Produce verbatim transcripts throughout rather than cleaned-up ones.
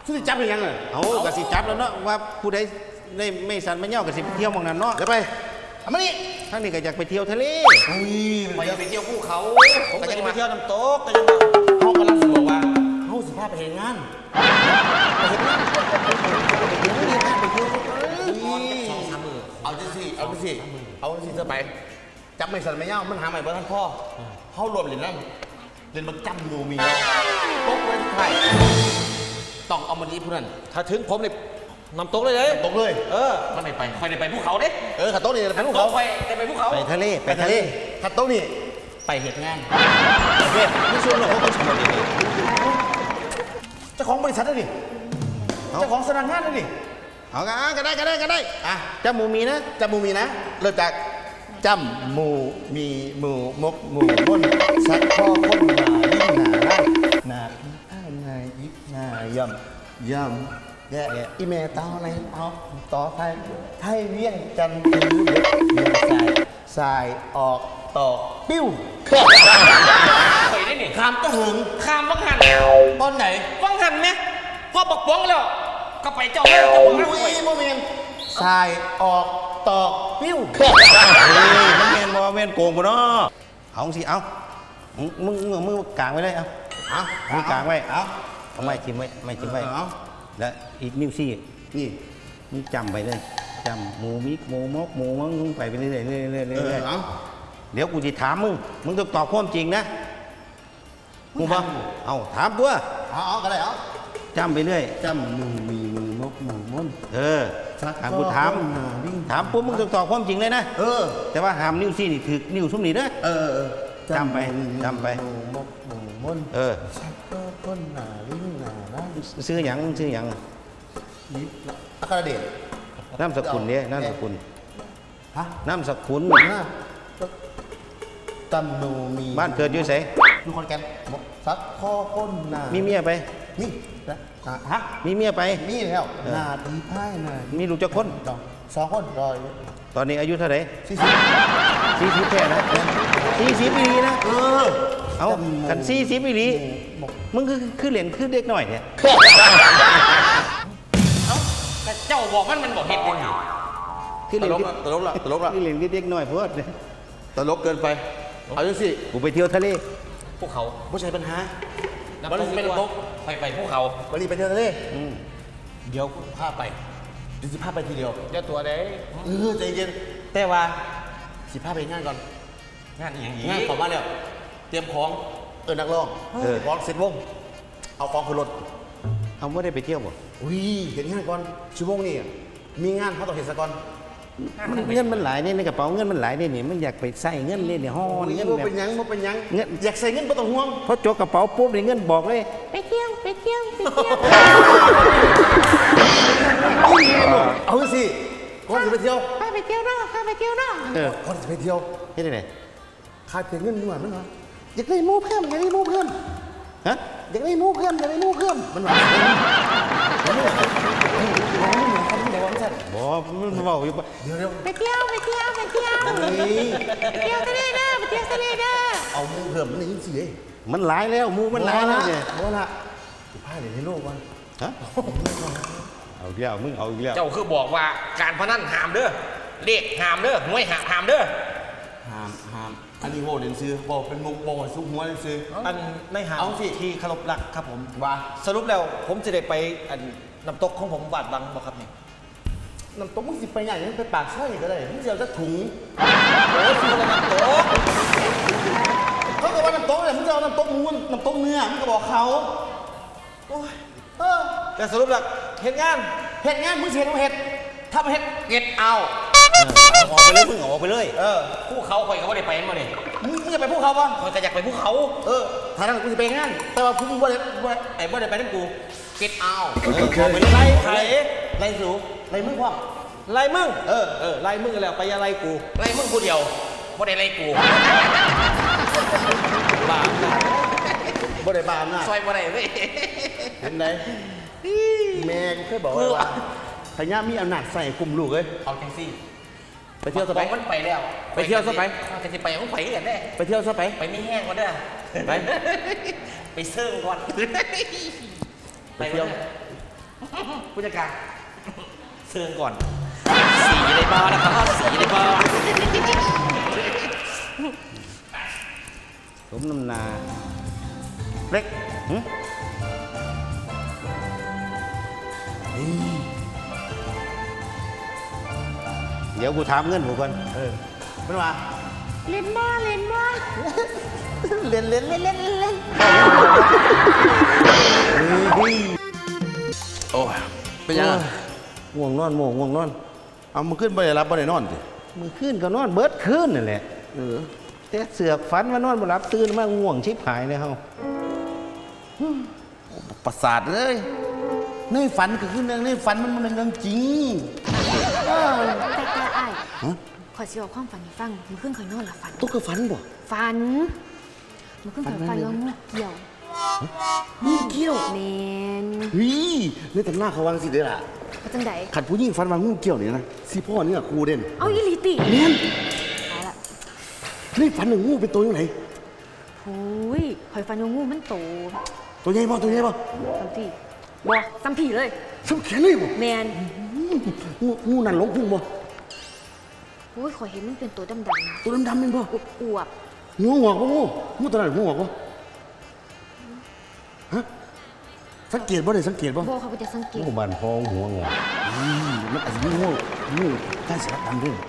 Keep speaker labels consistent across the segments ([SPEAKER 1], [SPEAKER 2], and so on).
[SPEAKER 1] คือจับเป็นยังไงเอากระสิจับแล้วเนาะว่าผู้ใดได้ไม่สันไม่เน่ากระสิไปเที่ยวมองนั้นเนาะเดี๋ยวไปเอามานี่ทั้งนี้ก็อยากไปเที่ยวทะเล
[SPEAKER 2] ไปไปเที่ยวภูเขา
[SPEAKER 1] ผมก็จะไปเที่ยวน้ำตกก็
[SPEAKER 2] จะ
[SPEAKER 1] เขากำลังจะบอกว่าเขาสิพาไปเห็นงานไปเห็นงานไปเที่ยวเอาจังสิเอาจังสิเอาจังสิเธอไปจับไม่สันไม่เน่ามันหาใหม่บ้านท่านพ่อเขารวมเหรียญนั่นเรียนมาจำดูมีเนาะโต๊ะเว้นไทยต้องเอามาดีผู้นั้น
[SPEAKER 2] ถ้าถึงผมเนี่ยนำตกเลยเลย
[SPEAKER 1] ตกเลย
[SPEAKER 2] เออมันไม่ไปคอยได้ไปภูเขาเด้
[SPEAKER 1] เออขัดโต๊ะนี่ไปภูเขา
[SPEAKER 2] ไปได้ไปภูเขา
[SPEAKER 1] ไปทะเลไปทะเลขัดโต๊ะนี่ไปเหตุงานโอเคไม่ชวนหรอกเขาต้องชวนเลยเจ้าของบริษัทนี่เจ้าของสถานงานนี่เอาก็ได้ก็ได้ก็ได้อ่ะจำหมูมีนะจำหมูมีนะเริ่มจากจำหมูมีหมูมกหมูม้นสักข้อค้นหนายิ่งหนาหนาหนาหนายิบหนายำยำแย่อีเมต้าอะไรเอาต่อไทยไทยเวียงจันทร์ถือเด็กเวียงสายสายออกตอกปิ้ว
[SPEAKER 2] ไปได้หนิ
[SPEAKER 1] ข้ามก็หึง
[SPEAKER 2] ข้ามวังหัน
[SPEAKER 1] ตอนไหน
[SPEAKER 2] วังหันไหมพอบอกป้องแล้วก็ไปเจ้าเจ้า
[SPEAKER 1] อุ้ยโมเมนสายออกตอกปิ้วเฮ้ยมันเมนโมเมนโกงกูเนาะเอาสิเอามึงมึงมึงกางไว้เลยเอาเอามึงกางไว้เอาเอาไม่จิ้มไว้ไม่จิ้มไว้แล้วอีกนิ้วซี่นี่มึงจำไปเลยจำหมูมิกหมูมกหมูมังมึงไปไปเรื่อยเรื่อยเรื่อยเรื่อยเรื่อยเดี๋ยวกูจะถามมึงมึงต้องตอบความจริงนะกูบอกเอาถามตัวเอาเอากันเลยเอาจำไปเรื่อยจำหมูมีหมูมกหมูม้นเออถามกูถามถามปุ๊บมึงต้องตอบความจริงเลยนะเออแต่ว่าหามนิ้วซี่นี่ถือนิ้วซุ้มนี่นะเออจำไปจำไปหมูมกหมูม้นเออต้นหนาลิ้นหนาล้ซื้อหยังซื้อหยังยิบอัครเดชน้ำสกุลเนี่ยน้ำสกุลฮะน้ำสกุลตำโนมีบ้านเกิดอยู่ไสอยู่คนแก่นสักข้อก้นหนามีเมียไปมีนะฮะมีเมียไปมีแล้วนาดีไพ่นามีลูกจะคนสองคนรอยตอนนี้อายุเท่าไหร่สี่สิบสี่สิบแค่นะสี่สิบปีนะเออเอากันสี่สิบปีมึงคือคือเหรียญคือเด็กหน่อยเนี่ย
[SPEAKER 2] เอ้าแต่เจ้าบอกมันมันบอกเหตุผล
[SPEAKER 1] คือเหรียญตลกละตลกละคือเหรียญเด็กหน่อยเพื่อนตลกเกินไปเอาจังสิกูไปเที่ยวทะเล
[SPEAKER 2] ภูเขา
[SPEAKER 1] ไม่ใช่ปัญหา
[SPEAKER 2] วันนี้เป็นตกไปไปภูเขา
[SPEAKER 1] วันนี้ไปเที่ยวทะเลเดี๋ยวพาไปเดี๋ยวสิพาไปทีเดียว
[SPEAKER 2] เดี๋ยวตัวเด้
[SPEAKER 1] เออใจเย็นแต่ว่าสิพาไปงานก่อน
[SPEAKER 2] งานอย่างนี้
[SPEAKER 1] งานขอมาแล้วเตรียมของเออนักร้องเออของเสร็จวงเอาของขึ้นรถเอาไม่ได้ไปเที่ยวบ่อุ้ยเห็นงานก่อนชั่วโมงนี่มีงานเขาต้องเห็นซะก่อนเงินมันหลายเนี่ยในกระเป๋าเงินมันหลายเนี่ยนี่มันอยากไปใส่เงินเนี่ยห่อเงินแบบเป็นยังมันเป็นยังเงินอยากใส่เงินไม่ต้องห่วงเพราะจกกระเป๋าปุ๊บเนี่ยเงินบอกเลย
[SPEAKER 3] ไปเที่ยวไปเที่ยวไปเที่ยว
[SPEAKER 1] เอาสิคนจะไปเที่ยว
[SPEAKER 3] พาไปเที่ยวเนาะพาไปเที่ยวเนาะ
[SPEAKER 1] เออคนจะไปเที่ยวเฮ็ดได้ไงขาดเพียงเงินด้วยมั้งเหรออยากได้มูเพิ่มอยากได้มูเพิ่มฮะอยากได้มูเพิ่มอยากได้มูเพิ่มมันหวานบอกมันบอกอยู่เดี๋ยวเดี๋ยว
[SPEAKER 3] ไปเที่ยวไปเที่ยวไปเที่ยวไปเที่ยวทะเลเด้อไปเที่ยวทะเลเด้อ
[SPEAKER 1] เอามูเพิ่มมันยิ่งสิมันหลายแล้วมูมันหลายแล้วเนี่ยโอ้ละผ้าเดี๋ยวให้โลกวันฮะเอาเดียวมึงเอาเดียว
[SPEAKER 2] เจ้าคือบอกว่าการพนันหามเด้อเลขหามเด้อหวยหามเด้อ
[SPEAKER 1] หามหามอันนี้โว้เด่นซื้อบอกเป็นมุกบอกซุกหัวเด่นซื้อ
[SPEAKER 2] อันในหามที่เคารพรักครับผม
[SPEAKER 1] ว่า
[SPEAKER 2] สรุปแล้วผมจะได้ไปอันน้ำตกของผมบาดบังบอกครับนี่
[SPEAKER 1] น้ำตกมึงสิไปใหญ่ยังไปปากซอยก็ได้มึงจะเอาจะถุง
[SPEAKER 2] โอ้ยซื้อน้ำตก
[SPEAKER 1] เขาบอกว่าน้ำตกเลยมึงจะเอาน้ำตกมูนน้ำตกเนื้อมึงก็บอกเขาโอ้ยเออ
[SPEAKER 2] แต่สรุปแล้วเห็นงาน
[SPEAKER 1] เห็ดงานมึงเห็ดเอาเห็ดถ้าไม่เห็ด
[SPEAKER 2] เก็ตเอา
[SPEAKER 1] ออกไปเลยมึงออกไปเลย
[SPEAKER 2] เออภูเขาคอยเขาไม่ได้ไปมาเลย
[SPEAKER 1] มึงมึงจะไปภูเขาป่ะ
[SPEAKER 2] คอยจะอยากไปภูเขา
[SPEAKER 1] เออถ้านั้นกูจะไปงานแต่ว่ามึงว่าอะไรไอ้บ่ได้ไปนั่นกู
[SPEAKER 2] เก็ตเอา
[SPEAKER 1] ไปไล่ไล่ไล่สูไล่มึงพ่อ
[SPEAKER 2] ไล่มึง
[SPEAKER 1] เออ
[SPEAKER 2] เออไล่มึงแล้วไปอะไรกูไล่มึงกูเดียวบ่ได้ไล่กู
[SPEAKER 1] บาปนะบ่ได้บาปนะ
[SPEAKER 2] ซอยบ่ได้เว้ย
[SPEAKER 1] เห็นไหมแม่กูเคยบอกว่าพญามีอำนาจใส่กลุ่มลูกเลย
[SPEAKER 2] เอาแท็กซี่
[SPEAKER 1] ไปเที่ยวซะไป
[SPEAKER 2] มันไปแล้ว
[SPEAKER 1] ไปเที่ยวซะไป
[SPEAKER 2] จะไปมันไปกันได้
[SPEAKER 1] ไปเที่ยวซะไป
[SPEAKER 2] ไปไม่แห้งก่อนเด้อไปไปเซิร์งก่อน
[SPEAKER 1] ไปเที่ยว
[SPEAKER 2] ผู้จัดการเชิญก่อน สีในบาร์นะครับสีในบาร์
[SPEAKER 1] สมน้ำหนาเล็กหึเดี๋ยวกูถามเงินกูก่อนเออเป็นว่า
[SPEAKER 3] เล่นบ้าเล่นบ้า
[SPEAKER 1] เล่นเล่นเล่นเล่นเล่น
[SPEAKER 4] โอ้ยเป็นยังไง
[SPEAKER 1] ง่วงนอนโมงง่วงนอน
[SPEAKER 4] เอามันขึ้นไปได้รับบ่ได้นอนสิ
[SPEAKER 1] มือขึ้นก็นอนเบิดขึ้นนั่นแหละ
[SPEAKER 4] เออ
[SPEAKER 1] แต่เสือกฝันว่านอนบ่หลับตื่นมาง่วงชิบหายเลยเฮา
[SPEAKER 4] ประสาทเลยในฝันก็คือเรื่องในฝันมันมันเรื่องจริง
[SPEAKER 3] แต่แต่ไอ้ายขอสิบอกความฝันให้ฟังมันขึ้นคอยนอนหลับฝัน
[SPEAKER 4] ตุ๊กฝันบ่
[SPEAKER 3] ฝันมันขึ้นคอยฝันว่างูเกี่ยว
[SPEAKER 4] นี่เกี่ยว
[SPEAKER 3] แมน
[SPEAKER 4] เฮ้ยนี่แต่หน้าเขาวางสิเด้อล่ะ
[SPEAKER 3] ว่าจังได
[SPEAKER 4] ขันผู้หญิงฝันว่างูเกี่ยวนี่นะสิพ่อนี่อะครูเด่น
[SPEAKER 3] เอาอีหลีติ
[SPEAKER 4] เนียน
[SPEAKER 3] เอาละ
[SPEAKER 4] นี่ฝันหนึ่งงูเป็นตัวยังไง
[SPEAKER 3] โอ้ยคอยฝันว่างูมันโต
[SPEAKER 4] ตัวใหญ่บ่ตัวใหญ่บ่
[SPEAKER 3] สัมผีบ่สัมผีเลย
[SPEAKER 4] สัมแขนเลยบ่
[SPEAKER 3] แมน
[SPEAKER 4] งูงูนั่นหลงพุ่งบ่
[SPEAKER 3] โอ้ยขอยเห็นมันเป็นตัวดำๆนะ
[SPEAKER 4] ตัวดำๆเป็นบ่
[SPEAKER 3] อวบ
[SPEAKER 4] งูงอกบ่งูงูตัวนั้นงูงอกบ่ฮะสังเกตบ่ได้สังเกตบ่
[SPEAKER 3] ๆบ่เขาก็จะสังเกต
[SPEAKER 1] งูบานพองหัวงอ
[SPEAKER 4] อืมมันอาจจะมีงูงูใต้สารดำด้วย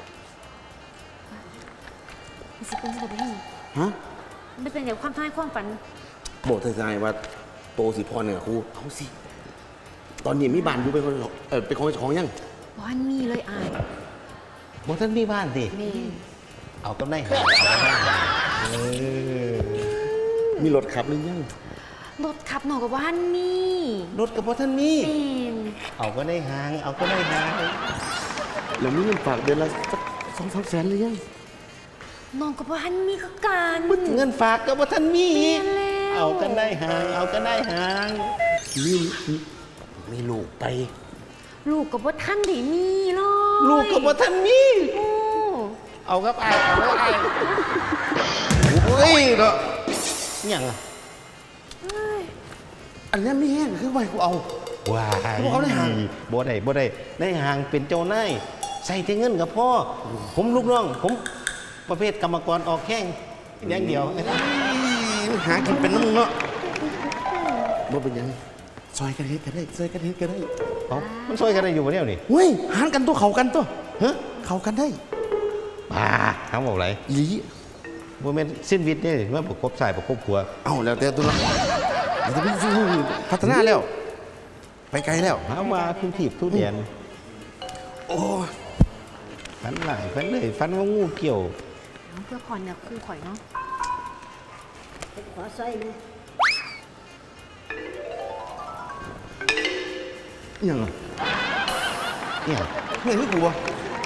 [SPEAKER 3] มันสิเป็นแบบนี้
[SPEAKER 4] ฮะ
[SPEAKER 3] มันเป็นอย่างความท้ายความฝัน
[SPEAKER 4] บอกทนายว่าโตสิพรเนี่ยครูเอาสิ ตอนนี้มีบ้านอยู่เป็นคนเออเป็นของเจ้าของยัง
[SPEAKER 3] บ้านมีเลยอาย
[SPEAKER 1] บ่ทันมีบ้านสิ
[SPEAKER 3] แม่น
[SPEAKER 1] เอากำไรหาเอากำไรหาเออ
[SPEAKER 4] มีรถขับหรือยัง
[SPEAKER 3] รถขับหนอกกับบ้านมี
[SPEAKER 1] รถกับบ่ทันมี
[SPEAKER 3] แม่น
[SPEAKER 1] เอาก็ได้หาง เอาก็ได้หาง
[SPEAKER 4] แล้วมีเงินฝากเดือนละสักสองสามแสนหรือยัง
[SPEAKER 3] น้องกับบ้านมีคือกัน
[SPEAKER 1] เงินฝากก็บ่ทันมี
[SPEAKER 3] แม่นแล้ว
[SPEAKER 1] เอากันได้หาง เอากันได้หาง
[SPEAKER 4] มีมีมีลูกไป
[SPEAKER 3] ลูกกับว่าท่านได้มีเลย
[SPEAKER 1] ลูกก็บ่ทันมี
[SPEAKER 3] โอ้
[SPEAKER 1] เอาครับไอ้ายเอาครับไอ้ายโอ้ยเนาะอิหยังอ่ะ
[SPEAKER 4] อันนี้ไม่แห้งคือไว้กูเอา
[SPEAKER 1] ว้าย
[SPEAKER 4] เขาบอกเอาได้หาง
[SPEAKER 1] บ่ได้บ่ได้ได้หางเป็นเจ้านายใส่แต่เงินกับพ่อ ผมลูกน้อง ผมประเภทกรรมกรออกแข้งอย่างเดียว
[SPEAKER 4] หากินเป็นน้ำมึงเนาะบ่เป็นหยังซอยกันเฮ็ดกันได้ซอยกันเฮ็ดกันได้
[SPEAKER 1] เอามันช่วยกันได้อยู่บ่เนี่ยนี่
[SPEAKER 4] เฮ้ยหารกันตัวเขากันตัวฮะเขากันได้
[SPEAKER 1] บ้าทำบอกไร
[SPEAKER 4] อีหลี
[SPEAKER 1] บ่แม่นสิ้นวิทย์เนี่ยว่าประกบสายประกบขัว
[SPEAKER 4] เอาแล้วแต่ตัวละเดี๋ยวจะไปสู้พัฒนาแล้ว ไปไกลแล้ว
[SPEAKER 1] หาว่าทุกทีบทุกเดียน
[SPEAKER 4] โอ้ย
[SPEAKER 1] ฟันหลายฟันเลยฟันว่างูเกี่ยว
[SPEAKER 3] น้องเพื่อผ่อนเนี่ยคู่ข่อยเนาะ
[SPEAKER 5] ขอสร้อยนะ
[SPEAKER 4] อิหยังอ่ะ
[SPEAKER 1] เนี่ย
[SPEAKER 4] เฮ้ยนี่กูวะ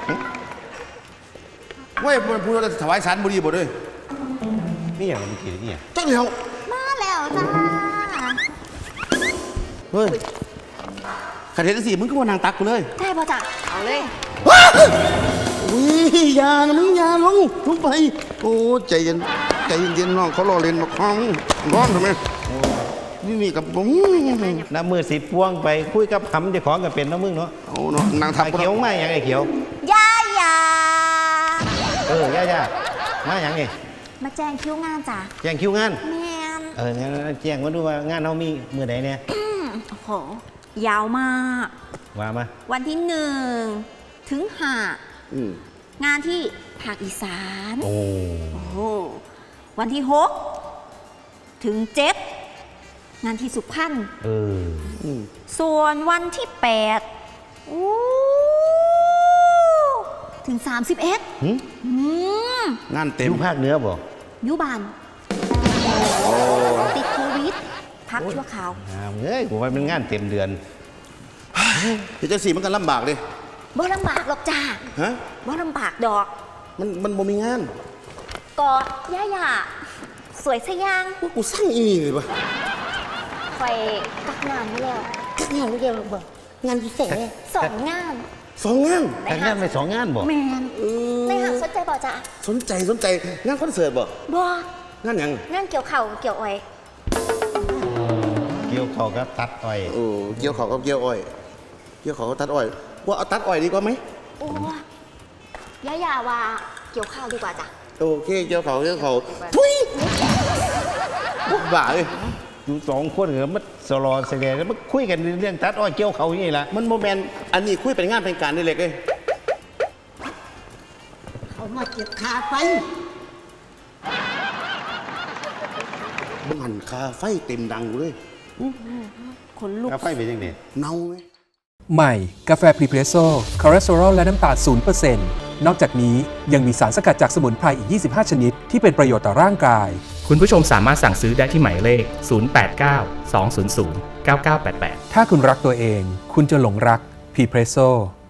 [SPEAKER 4] เว้ยมันพูดว่าจะถวายสารบุรีบ่ด้วย
[SPEAKER 1] นี่อย่างมันกี่เนี่ย
[SPEAKER 4] จังเดียว
[SPEAKER 5] มาแล้วจ้า
[SPEAKER 4] เฮ้ยขัดเห็นสิมึงก็มานางตักกูเลย
[SPEAKER 3] ได้ป่ะจ๊ะเอาเลย
[SPEAKER 4] อุ้ยอยานะมึงอยาลงลงไป โอ้ใจเย็นใจเย็นๆน้องเขารอเล่นมาคล้องร้อนทำไมนี่นี่กับผม
[SPEAKER 1] น้ำมือสิบพวงไปคุยกับคำเจ้าของก็เป็นน้ำมึงเนาะ
[SPEAKER 4] เอาเนาะนางทับ
[SPEAKER 1] ไอ้เขียวมาอย่างไอ้เขียว
[SPEAKER 5] ย่าย่า
[SPEAKER 1] เออย่าย่ามาอย่างไง
[SPEAKER 5] มาแจ้งคิวงานจ้ะ
[SPEAKER 1] แจ้งคิวงาน
[SPEAKER 5] แมน
[SPEAKER 1] เอองั้นแจ้งมาดูว่างานเรามีมือไหนเนี่ย
[SPEAKER 5] โอ้โห ยาวมาก
[SPEAKER 1] ว่ามา
[SPEAKER 5] วันที่หนึ่งถึงห้า
[SPEAKER 4] อืม
[SPEAKER 5] งานที่ภาคอีสาน
[SPEAKER 1] โอ้
[SPEAKER 5] โอ้โหวันที่หกถึงเจ็ดงานที่สุพรรณ
[SPEAKER 1] เออ
[SPEAKER 4] อืม
[SPEAKER 5] ส่วนวันที่แปดอู้ถึงสามสิบเอ็ด
[SPEAKER 1] หึ
[SPEAKER 5] อืม
[SPEAKER 4] งานเต็
[SPEAKER 1] อ
[SPEAKER 4] ม
[SPEAKER 1] ยู่ภาคเหนือบ่
[SPEAKER 5] อยุบานติดโควิด พักชั่วคราว
[SPEAKER 1] อ่าเอ้ยผมว่าเป็นงานเต็มเดือน
[SPEAKER 4] เดี๋ยวจังสีมันก็ลำบากเลย
[SPEAKER 5] บ่ลำบากหรอกจ้า
[SPEAKER 4] ฮะ
[SPEAKER 5] บ่ลำบากดอก
[SPEAKER 4] มันมันบ่มีงาน
[SPEAKER 5] กอดย่าย่าสวยสยาง
[SPEAKER 4] ว่ากูสร้างอีนี่เลยปะ
[SPEAKER 5] ไฟกักงานไม่แล้วกักงานไม่แล้วบ่งานพิเศษเลยสองงาน
[SPEAKER 4] สองงาน
[SPEAKER 1] แต่งงานไปสองงานบ่
[SPEAKER 5] แมน
[SPEAKER 4] เออ
[SPEAKER 5] ในหางสนใจบ่จ้า
[SPEAKER 4] สนใจสนใจงานคอนเสิร์ตบ่
[SPEAKER 5] บ่
[SPEAKER 4] งานหยัง
[SPEAKER 5] งานเกี่ยวเข่าเกี่ยวอ้อย
[SPEAKER 1] เกี่ยวกี่ยวเขากับตัดอ้อย
[SPEAKER 4] โอ้เกี่ยวเขาก็เกี่ยวอ้อย เกี่ยวเขาก็ตัดอ้อยว่าเอาตัดอ้อยดีกว่าไหม
[SPEAKER 3] โอ้ย่าอย่าว่าเกี่ยวข้าวดีกว่าจ้ะ
[SPEAKER 4] โอเคเกี่ยวเขาเกี่ยวเขาทุยบ้าเลย
[SPEAKER 1] อยู่สองคนเหรอมันสลอเสลียแล้วมันคุยกันเรื่องตัดอ้อยเกี่ยวเขาอย่างนี้ละ
[SPEAKER 4] มันโมแมนอันนี้คุยเป็นงานเป็นการได้เลยเอ้ย
[SPEAKER 6] เขามาเก็บขาไฟ
[SPEAKER 4] บ้านคาไฟเต็มดังเลย
[SPEAKER 5] ขนลุก
[SPEAKER 1] กาไฟเป็นยังไง
[SPEAKER 4] เน่าไหม
[SPEAKER 7] ใหม่ กาแฟพรีเพรสโซ่คอเลสเตอรอลและน้ำตาล ศูนย์เปอร์เซ็นต์ นอกจากนี้ยังมีสารสกัดจากสมุนไพรอีก ยี่สิบห้า ชนิด ที่เป็นประโยชน์ต่อร่างกาย
[SPEAKER 8] คุณผู้ชมสามารถสั่งซื้อได้ที่หมายเลข ศูนย์ แปด เก้า สอง ศูนย์ ศูนย์ เก้า เก้า แปด แปด
[SPEAKER 7] ถ้าคุณรักตัวเอง คุณจะหลงรักพรีเพรสโซ่